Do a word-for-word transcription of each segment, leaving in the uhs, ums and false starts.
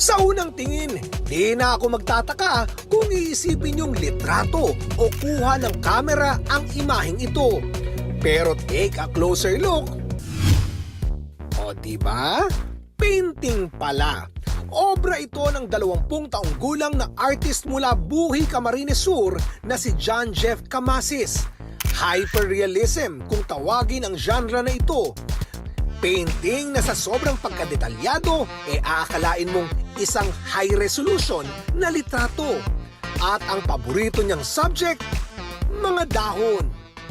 Sa unang tingin, di na ako magtataka kung iisipin yung litrato o kuha ng kamera ang imaheng ito. Pero take a closer look. O diba? Painting pala. Obra ito ng dalawampung taong gulang na artist mula Buhi, Camarines Sur na si John Jeff Camasis. Hyperrealism kung tawagin ang genre na ito. Painting na sa sobrang pagkadetalyado e eh aakalain mong isang high resolution na litrato. At ang paborito niyang subject, mga dahon.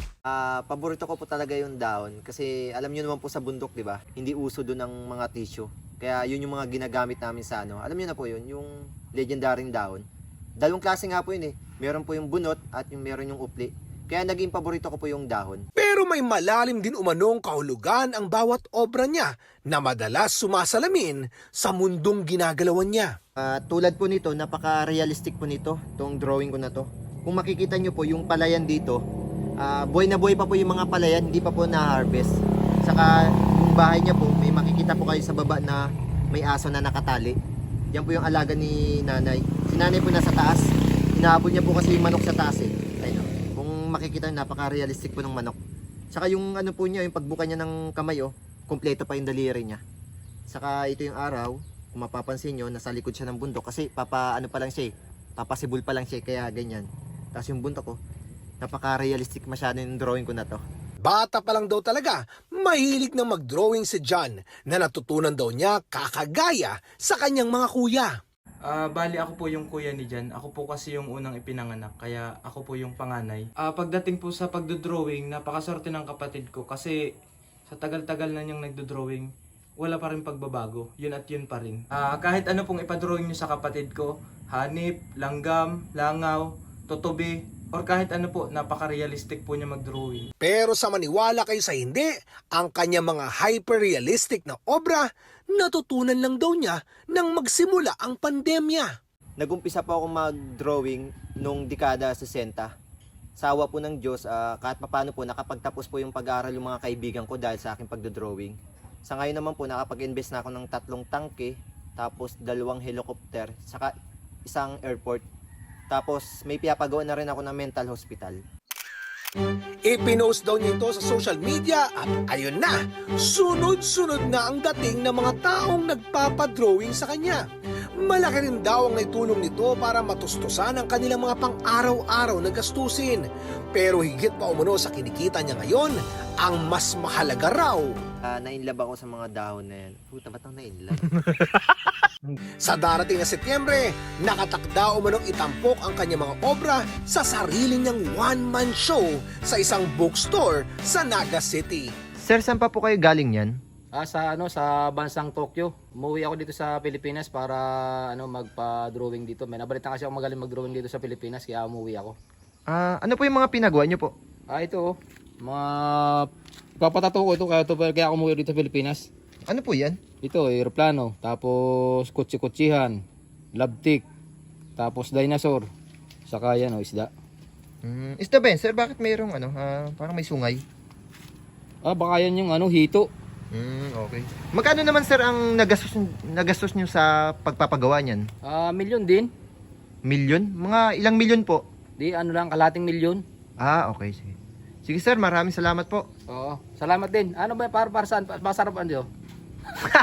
Ah, paborito ko po talaga yung dahon kasi alam niyo naman po sa bundok, 'di ba? Hindi uso doon ng mga tissue. Kaya yun yung mga ginagamit namin sa ano. Alam niyo na po yun, yung legendaryong dahon. Dalawang klase nga po yun eh. Meron po yung bunot at yung meron yung upli. Kaya naging paborito ko po yung dahon. Pero may malalim din umanong kahulugan ang bawat obra niya na madalas sumasalamin sa mundong ginagalawan niya. Ah, tulad po nito, napaka-realistic po nito, itong drawing ko na to. Kung makikita nyo po yung palayan dito, ah, buhay na buhay pa po yung mga palayan, hindi pa po na-harvest. Saka yung bahay niya po, may makikita po kayo sa baba na may aso na nakatali. Yan po yung alaga ni nanay. Si nanay po nasa taas. Inaabot niya po kasi yung manok sa taas eh. Ayun, kung makikita nyo, napaka-realistic po ng manok. Saka yung ano po niya, yung pagbuka niya ng kamay oh, kompleto pa yung daliri niya. Saka ito yung araw, kung mapapansin nyo, nasa likod siya ng bundok kasi papa ano pa lang siya eh, papasibol pa lang siya kaya ganyan. Tapos yung bundok ko, napaka-realistic masyado yung drawing ko na to. Bata pa lang daw talaga, mahilig ng mag-drawing si John na natutunan daw niya kakagaya sa kanyang mga kuya. Ah, bali ako po yung kuya ni Jan. Ako po kasi yung unang ipinanganak, kaya ako po yung panganay. Ah, pagdating po sa pagdodrawing, napakaswerte ng kapatid ko kasi sa tagal-tagal na niyang nagdodrawing, wala pa rin pagbabago. Yun at yun pa rin. Ah, kahit ano pong ipadrawing niyo sa kapatid ko, hanip, langgam, langaw, tutubi, or kahit ano po, napaka-realistic po niya mag-drawing. Pero sa maniwala kayo sa hindi, ang kanyang mga hyper-realistic na obra, natutunan lang daw niya nang magsimula ang pandemya. Nagumpisa po ako mag-drawing nung dekada sesenta. Sa awa po ng Diyos, ah, kahit paano po, nakapagtapos po yung pag-aaral yung mga kaibigan ko dahil sa aking pagdodrawing. Sa ngayon naman po, nakapag-invest na ako ng tatlong tangke, tapos dalawang helicopter, saka isang airport. Tapos may pinapagawa na rin ako ng mental hospital. Ipinost daw niya ito sa social media at ayun na, sunod-sunod na ang dating ng mga taong nagpapadrawing sa kanya. Malaki rin daw ang naitulong nito para matustusan ang kanilang mga pang-araw-araw na gastusin. Pero higit pa umano sa kinikita niya ngayon, ang mas mahalaga raw. Uh, nainlove ako sa mga dahon na yan. Puta, ba't ako nainlove? Sa darating na Setyembre, nakatakda umanong itampok ang kanyang mga obra sa sarili niyang one-man show sa isang bookstore sa Naga City. Sir, saan pa po kayo galing yan? Ah, sa ano sa bansang Tokyo. Umuwi ako dito sa Pilipinas para ano magpa-drawing dito. May nabalitaan kasi ako magaling mag-drawing dito sa Pilipinas kaya umuwi ako. Ah, ano po yung mga pinagawa niyo po? Ah, ito oh. Mga papatato ko ito kaya, ito, kaya ako umuwi dito sa Pilipinas. Ano po yan? Ito, aeroplano, tapos kutsi-kutsihan, labtik, tapos dinosaur, saka yan oh, isda. Mm, isda ba yan? Sir, bakit mayroong ano, ah, parang may sungay? Ah, baka yan yung ano, hito. Mm, okay. Magkano naman sir ang nagastos, nagastos nyo sa pagpapagawa niyan? Ah, milyon din. Milyon? Mga ilang milyon po? Di, ano lang, kalating milyon. Ah, okay. Sige, sige sir, maraming salamat po. Oo, salamat din. Ano ba, para, para saan? Masarap ano?